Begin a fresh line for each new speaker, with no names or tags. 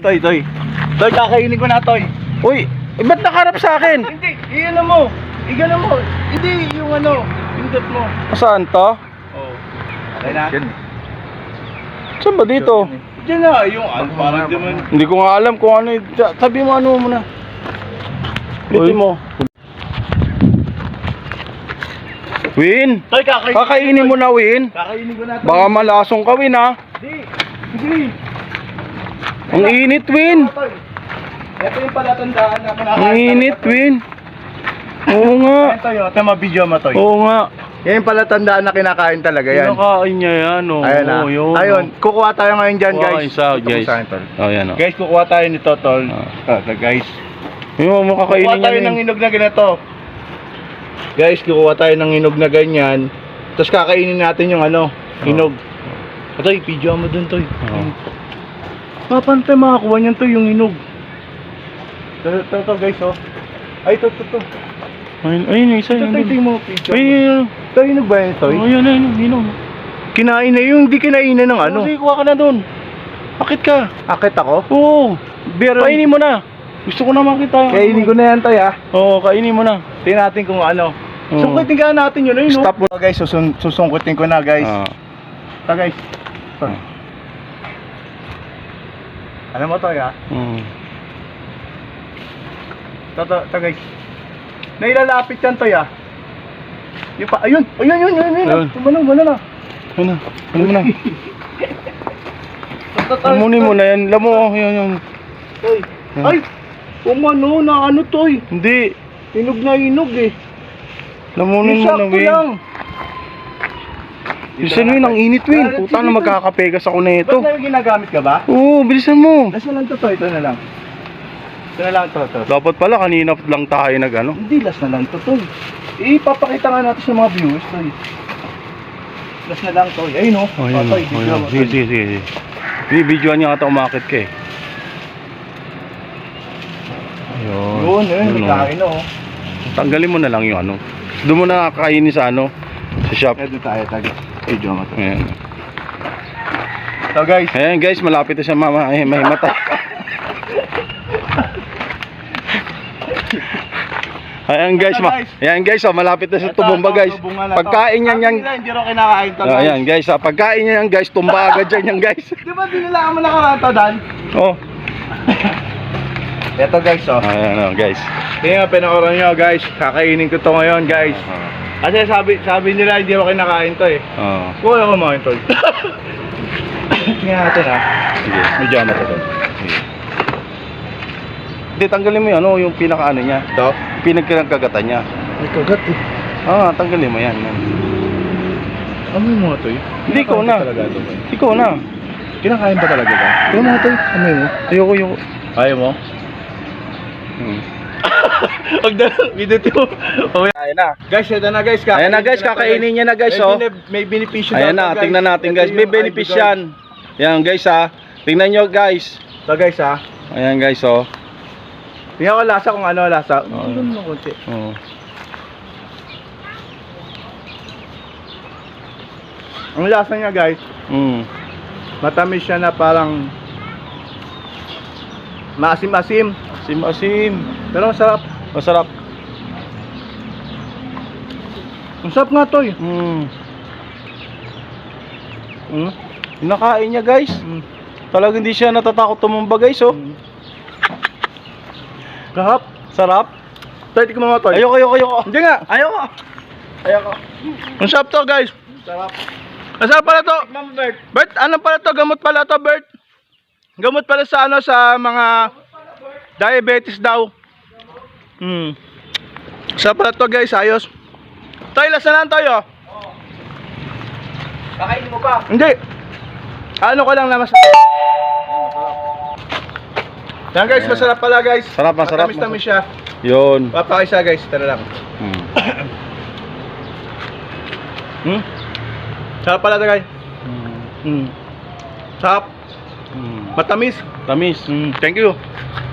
Toy. Toy, kakainin ko na, Toy.
Uy, ba't nakarap sa akin?
Hindi, iyan mo. Igano mo. Hindi, yung ano, pindot mo.
Saan to?
Oh. Okay na?
Saan ba dito?
Diyan na, yung ano, parang di man.
Hindi ko nga alam kung ano. Sabi mo ano muna. Uy mo. Win,
Toy,
kakainin mo na, Win.
Kakainin ko na, Toy.
Baka malasong ka, Win, ha?
Hindi.
Ang init, Win.
Toy. Ito yung palatandaan na kinakain.
Ang init, Win. Oo nga.
Ayan, Toy, ito ma-video mo, Toy.
Oo nga.
Yan yung palatandaan na kinakain talaga yan.
Kinakain niya yan, oh.
Ayan na.
Oo, yun.
Ayun, kukuha tayo ngayon dyan,
Kuha
guys.
isa,
Ito
guys.
sa akin, Tol.
Oh, yan, oh.
Guys, kukuha tayo nito, Tol. Guys.
Yung mo
Kukuha
kakainin
tayo
niya,
ng
Win.
hinog na ganito. Guys, kukuha tayo ng hinog na ganyan. Tapos kakainin natin yung ano, hinog. Toy, video mo dun, Toy. Papantay makakuha niyan, Toy, yung hinog. Ito, guys, oh. Ay, ito.
Ayun, yung isa.
Ito yung mga picture.
Ayun,
Ito, hinog ba yun, Toy?
ayun.
Kinain na yung hindi kinainan ng ano.
Sige, kuha ka na dun. Bakit ka?
Akit ako?
Oo.
Pero,
Kainin mo na. Gusto ko na makita.
kainin ko na yan, Toy, ah.
Oo, kainin mo na.
Tingnan natin kung ano.
Oo.
Sungkitin ka natin yun, ayun, no?
Stop mo.
Guys, susungkitin ko na, guys.
Ah.
Ito, guys. Ito. Alam mo, Toy, ah. Ito, guys. Nailalapit yan, Toy, ah. Yung pa, ayun.
Ayun.
Tumano na.
Ano mo na? Lamunin mo na yan. Lamo, yun.
Toy. Ay! Umano na ano, Toy.
Hindi.
Hinog na hinog, eh.
Lamunin mo na,
Sakto
Win.
lang.
Bilisan, Win. Ang init, Win. Puta na magkakapegas ako na ito.
Ba't na yung ginagamit ka ba?
Oo, bilisan mo.
Last na lang to, Toy. Ito na lang. Ito na lang to.
Dapat pala kanina lang tayo nag-ano.
Hindi, last na lang to, Toy. Ipapakita nga natin sa mga viewers, Toy. Last na lang, Toy. Ayun, oh.
Oh, yun.
Toy, video mo, Toy.
Sige. Bibidyoan niya ata umakit ka eh.
Yun,
oh.
nagkain, oh.
Tanggalin mo na lang yung ano. Doon mo na kakainin sa ano, sa shop.
Ito tayo, tag. Video mo, Toy.
Ayan.
So, guys.
Ayan guys, malapit na siya mahimatay. Ayan guys, oh, malapit na siya tumumba guys. Pagkain niyan yan.
Hindi rin kinakain to, guys.
Ayan guys, pagkain niya yan guys, tumba agad yan guys.
Di ba dinilaan mo na karanta, Dan?
Oh.
Ito, guys, oh.
Ayan oh, guys.
Tingnan, pinakuran nyo, guys. Kakainin ko to ngayon, guys. Kasi sabi nila hindi ako kinakain to, eh.
Oh.
Kuha ako mga to. Tingnan natin, ha.
Sige.
Medyo ano to.
Hindi, tanggalin mo yan, ano, yung pinaka-ano niya.
Ito?
Pinagkagatan niya.
May kagat, eh.
Tanggalin mo yan.
Ano yung mga to, eh?
Hindi, ikaw na. Ikaw na.
Kinakain pa talaga ba? Ito mga to, ano mo?
Ayoko.
Ayaw mo? Video to.
Ayan na.
Guys, ito na, guys.
Ayan na guys, kakainin niya na guys, oh.
May benepisyo
Ayan na, tingnan natin guys. May benefits yan. Ayan guys, ha. Tingnan nyo guys.
Ito, guys, ha.
Ayan guys, oh.
Tingnan ko lasa kung ano lasa.
Oo.
Tingnan mo konti.
Oh.
Ang lasa niya, guys, matamis siya na parang maasim-asim.
Asim.
Pero masarap.
Masarap.
Masarap nga to, eh.
Nakain niya guys. Talagang hindi siya natatakot tumumba guys, oh.
Kahap.
Sarap.
Tayo, tikman mo to.
Ayoko.
Hindi nga. Ayoko. Masarap to, guys.
Sarap.
Masarap pala to.
Tikman mo, Bert.
Bert, ano pala to? Gamot pala to, Bert. Gamot pala sa ano, sa mga diabetes daw. Masarap pala to, guys. Ayos. Tayo, last na lang tayo.
Kakainin mo pa.
Hindi. Ano ko lang na mas... Yan, guys, masarap pala, guys.
Sarap.
Matamis-tamis siya.
Yun.
Papakisa, guys. Tara lang. Sarap pala to, guys. Sarap. Matamis.
Tamis.
Thank you.